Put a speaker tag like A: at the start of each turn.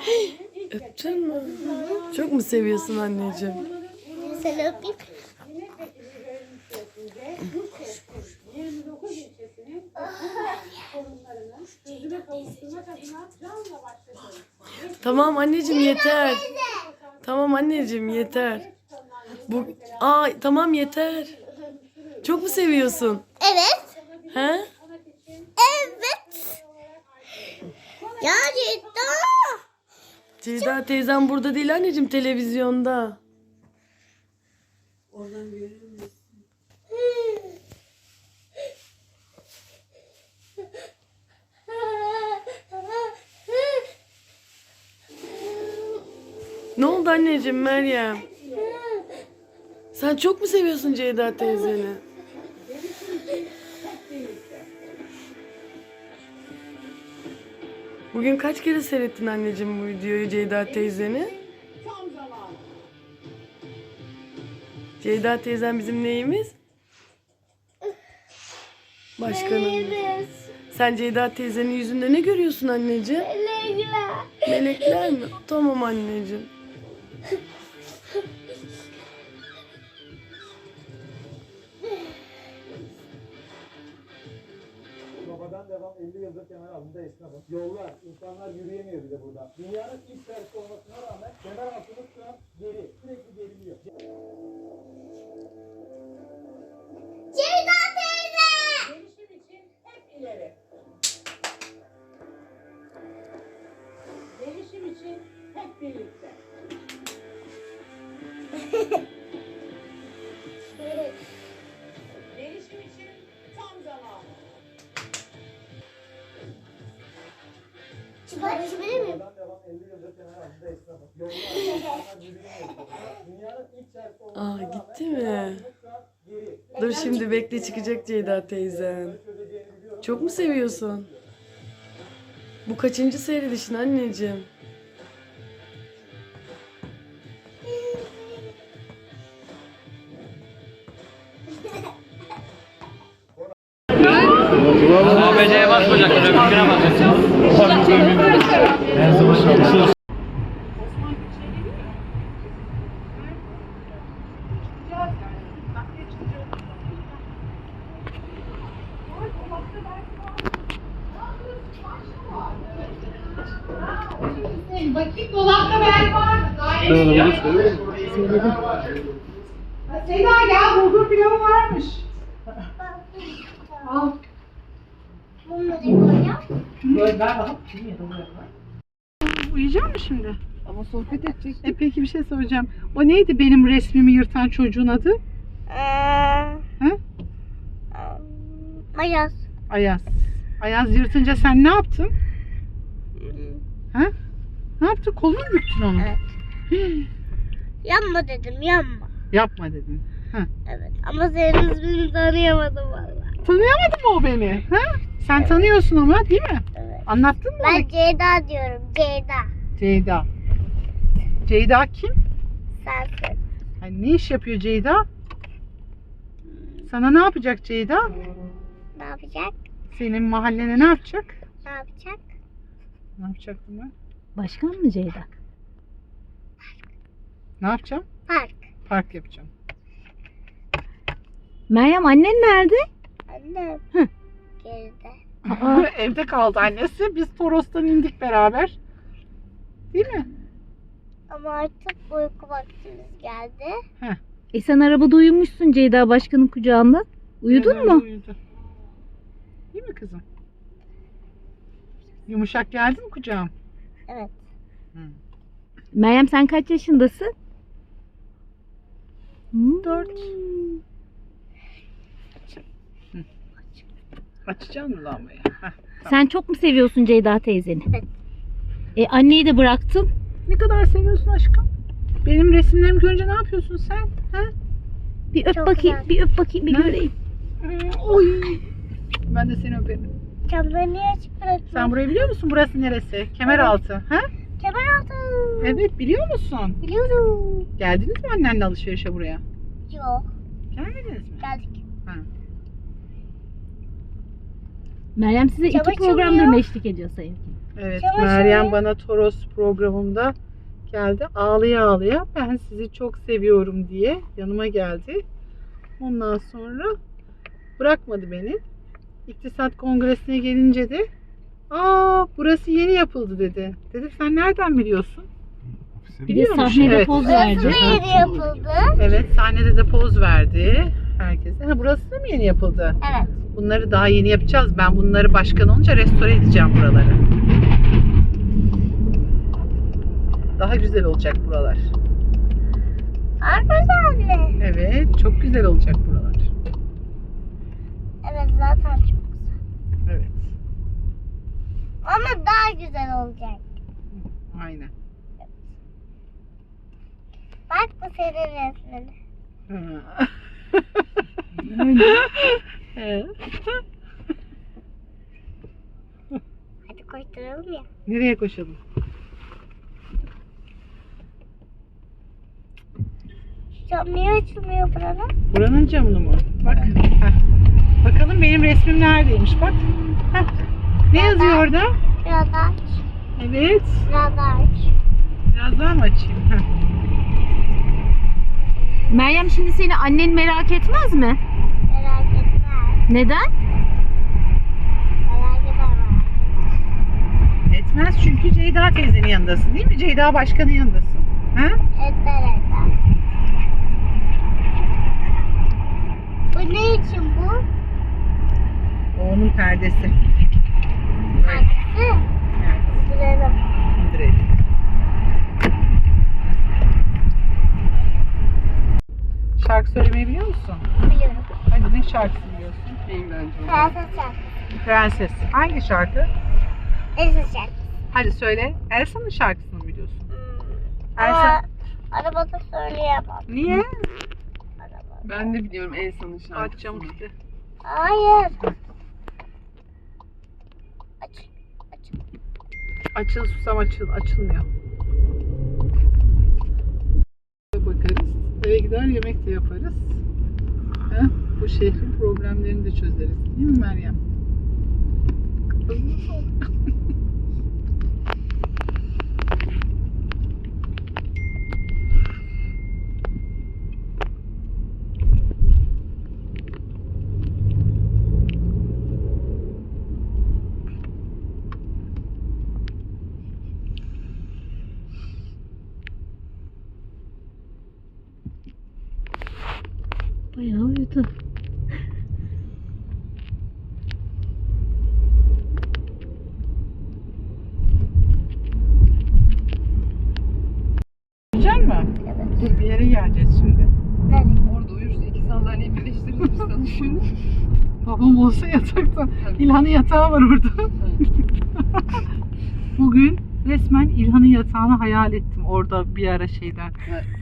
A: Öptün mü? Çok mu seviyorsun anneciğim?
B: Seni öpeyim.
A: Tamam anneciğim yeter. Tamam anneciğim yeter. Tamam yeter. Çok mu seviyorsun?
B: Evet.
A: He?
B: Evet. Ya
A: Ceyda teyzem burada değil anneciğim, televizyonda.
C: Oradan görür müsün?
A: Ne oldu anneciğim Meryem? Sen çok mu seviyorsun Ceyda teyzeni? Bugün kaç kere seyrettin anneciğim bu videoyu Ceyda teyzeni? Ceyda teyzem bizim neyimiz? Başkanımız. Sen Ceyda teyzenin yüzünde ne görüyorsun anneciğim?
B: Melekler.
A: Melekler mi? Tamam anneciğim.
D: Babadan devam 50 yıldır kemer altında esnafım. Yollar, insanlar yürüyemiyor bile burada. Dünyanın ilk serisi olmasına rağmen kemer altımız şu an geri, sürekli geriliyor.
B: Ceyda teyze.
C: Gelişim için hep ileri. Gelişim için hep birlikte. Gelişim için tam zamanı.
B: Çıkartabilir miyim?
D: Babadan devam 50 yıldır kemer altında esnafım. Yollar, insanlar yürüyemiyor bile burada. Dünyanın ilk serisi olmasına rağmen
A: Gitti mi?
D: kemer altımız şu an geri.
A: Dur şimdi bekle, çıkacak Ceyda teyzen. Çok mu seviyorsun? Bu kaçıncı seyredişin anneciğim?
E: ABC'ye basmayacaksın, öbürküne basacaksın.
F: Bakayım dolapta ben var mı? Söyledim. Seda gel, bulgur pilavı varmış. Al.
B: Bunları koyacağım.
F: Böyle ver bana. Uyuyacak mısın şimdi? Ama sohbet edecek. Peki bir şey soracağım. O neydi benim resmimi yırtan çocuğun adı? He?
B: Ayaz.
F: Ayaz. Ayaz yırtınca sen ne yaptın? He? Ne yaptın? Kolunu mu büktün onu?
B: Evet. Yanma dedim, yanma.
F: Yapma dedin.
B: Evet. Ama senin ismini tanıyamadım valla.
F: Tanıyamadın mı o beni? He? Sen tanıyorsun ama değil mi?
B: Evet.
F: Anlattın mı?
B: Ben Ceyda diyorum. Ceyda.
F: Ceyda. Ceyda kim?
B: Sensin.
F: Yani ne iş yapıyor Ceyda? Sana ne yapacak Ceyda?
B: Ne yapacak?
F: Senin mahallene ne yapacak?
B: Ne yapacak?
F: Ne yapacaktım ben?
G: Başkan mı Ceyda?
F: Ne yapacağım?
B: Park.
F: Park yapacağım.
G: Meryem annen nerede?
B: Annem.
G: Hı.
B: Geride.
F: Evde kaldı annesi. Biz Toros'tan indik beraber. Değil mi?
B: Ama artık uyku vaktimiz geldi.
G: Sen arabada uyumuşsun Ceyda başkanın kucağında. Uyudun
F: Biraz önce
G: mu?
F: Uyudu. Değil mi kızım? Yumuşak geldi mi kucağım?
B: Evet.
G: Meryem sen kaç yaşındasın?
F: 4. Açacağım mı lambayı?
G: Sen çok mu seviyorsun Ceyda teyzeni?
B: Evet.
G: Anneyi de bıraktın.
F: Ne kadar seviyorsun aşkım? Benim resimlerimi görünce ne yapıyorsun sen? Ha?
G: Bir öp
B: Çok
G: bakayım,
B: güzel.
G: bir öp bakayım, bir
F: Ne?
G: göreyim.
F: Oy. Ben de seni öperim.
B: Camları niye açık bırakıyorsun?
F: Sen burayı biliyor musun? Burası neresi? Kemeraltı. Ha?
B: Kemeraltı.
F: Evet, biliyor musun?
B: Biliyorum.
F: Geldiniz mi annenle alışverişe buraya?
B: Yok.
F: Gelmediniz mi?
B: Geldik.
F: Ha.
G: Meryem size
B: Çaba
G: 2 programdır
B: çalıyor.
G: mı eşlik ediyor sayın?
F: Evet,
B: Çamaşır
F: Meryem
B: ne?
F: bana Toros programımda geldi. Ağlaya ağlaya ben sizi çok seviyorum diye yanıma geldi. Ondan sonra bırakmadı beni. İktisat Kongresi'ne gelince de burası yeni yapıldı dedi. Dedim sen nereden biliyorsun?
G: Bir de
F: Biliyormuş,
G: sahnede
F: evet.
G: poz
B: Burası
G: verdi.
B: da yeni yapıldı.
F: Evet, sahnede de poz verdi herkese. Burası da mı yeni yapıldı?
B: Evet.
F: Bunları daha yeni yapacağız. Ben bunları başkan olunca restore edeceğim buraları. Daha güzel olacak buralar.
B: Arkadaşlar.
F: Evet, çok güzel olacak buralar.
B: Evet zaten çok.
F: Evet,
B: Ama daha güzel olacak.
F: aynen.
B: Bak bu senin resmin.
F: Ha. Evet.
B: Hadi koşturalım ya.
F: Nereye koşalım?
B: Cam niye açılmıyor buranın?
F: Buranın camını mı? Bak. Heh. Bakalım benim resmim neredeymiş bak. Heh. Ne yazıyor orada?
B: Biraz daha aç.
F: Evet.
B: Biraz daha aç.
F: Biraz daha mı açayım? Heh.
G: Meryem şimdi seni annen merak etmez mi?
B: Merak etme.
G: Neden?
B: Merak etme.
F: Etmez çünkü Ceyda teyzenin yanındasın değil mi? Ceyda başkanın yanındasın. Ha?
B: Etler. Bu ne için bu?
F: O onun perdesi.
B: Hangisi?
F: Evet.
B: Sürelim.
F: İndirelim. Şarkı söylemeyi biliyor musun?
B: Biliyorum.
F: Hadi ne şarkısı biliyorsun?
B: Prenses şarkısı.
F: Prenses. Hangi şarkı?
B: Elsa şarkısı.
F: Hadi söyle. Elsa'nın şarkısını mı biliyorsun?
B: Ama
F: Elsa.
B: arabada söyleyemem.
F: Niye?
B: Arabada.
A: Ben de biliyorum Elsa'nın şarkısını.
F: Açacağım işte.
B: Hayır. Aç. Aç.
F: Açıl susam açılmıyor. Bakarız. Eve gider yemek de yaparız. Heh, bu şehrin problemlerini de çözeriz. Değil mi Meryem?
G: Bayağı uyudu.
F: Yiyecek misin?
B: Evet.
F: Dur bir yere geleceğiz şimdi.
B: Nerede?
A: Orada uyursa 2 sandalyeyi birleştiririz biz sana şimdi.
F: Babam olsa yatakta. İlhan'ın yatağı var orada. Bugün resmen İlhan'ın yatağını hayal ettim orada bir ara şeyden.